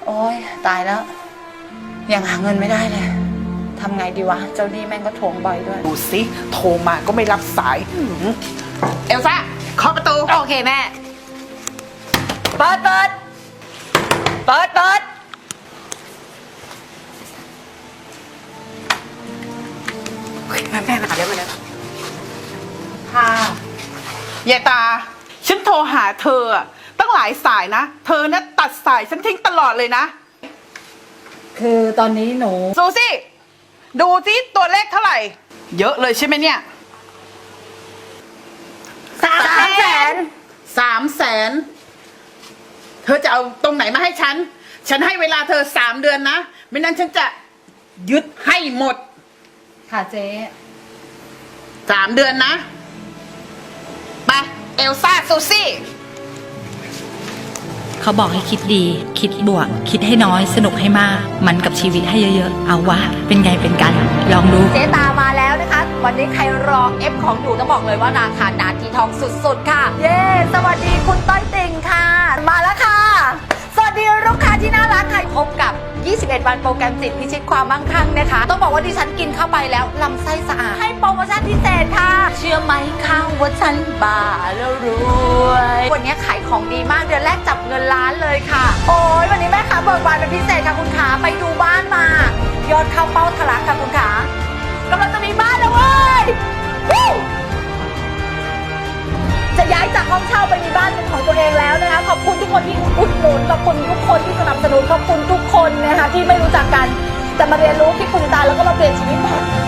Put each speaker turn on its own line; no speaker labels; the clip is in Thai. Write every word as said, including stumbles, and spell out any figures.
อ้ยตายแล้วยังหาเงินไม่ได้เลยทำไงดีวะเจ้าหนี้แม่งก็ทวงบ่อยด้วย
ดูสิโทรมาก็ไม่รับสายเอลซ่าเคาะประตู
โอเคแม่เปิดเปิดเปิดเปิดแม่แม่มาแล้วมาแล้วค่ะ
ยายตาฉันโทรหาเธอตั้งหลายสายนะเธอนะตัดสายฉันทิ้งตลอดเลยนะ
คือตอนนี้หนู
ซูซี่ดูสิตัวเลขเท่าไหร่เยอะเลยใช่ไหมเนี่ย
สามแสน
สามแสนเธอจะเอาตรงไหนมาให้ฉันฉันให้เวลาเธอสามเดือนนะไม่นั้นฉันจะยึดให้หมด
ค่ะเจ๊
สามเดือนนะไปเอลซ่าซูซี่
เขาบอกให้คิดดีคิดบวกคิดให้น้อยสนุกให้มากมันกับชีวิตให้เยอะๆเอาวะเป็นไงเป็นกันลองดู
เจ๊ตามาแล้วนะคะวันนี้ใครรอเอฟของอยู่ต้องบอกเลยว่าราคานาทีทองสุดๆค่ะเย้สวัสดีคุณต้อยติ่งค่ะมาแล้วค่ะสวัสดีลูกค้าที่น่ารักค่ะพบกับยี่สิบเอ็ดวันโปรแกรมจิตพิชิตความมั่งคั่งนะคะต้องบอกว่าดิฉันกินเข้าไปแล้วลำไส้สะอาดให้โปรโมชั่นพิเศษค่ะเชื่อไหมข้าวว่าฉันบ้าแล้วรวยวันนี้ขายของดีมากเดือนแรกจับเงินล้านเลยค่ะโอ้ยวันนี้แม่ค้าเบิกบานเป็นพิเศษค่ะคุณขาไปดูบ้านมายอดเข้าเป้าทะลักค่ะคุณขากำลังจะมีบ้านแล้วเว้ยจะย้ายจากห้องเช่าไปมีบ้านเป็นของตัวเองแล้วนะคะขอบคุณทุกคนที่อุดหนุนขอบคุณทุกคนที่สนับสนุนขอบคุณทุกคนนะคะที่ไม่รู้จักกันแต่มาเรียนรู้ที่คุณตาแล้วก็มาเปลี่ยนชีวิตใหม่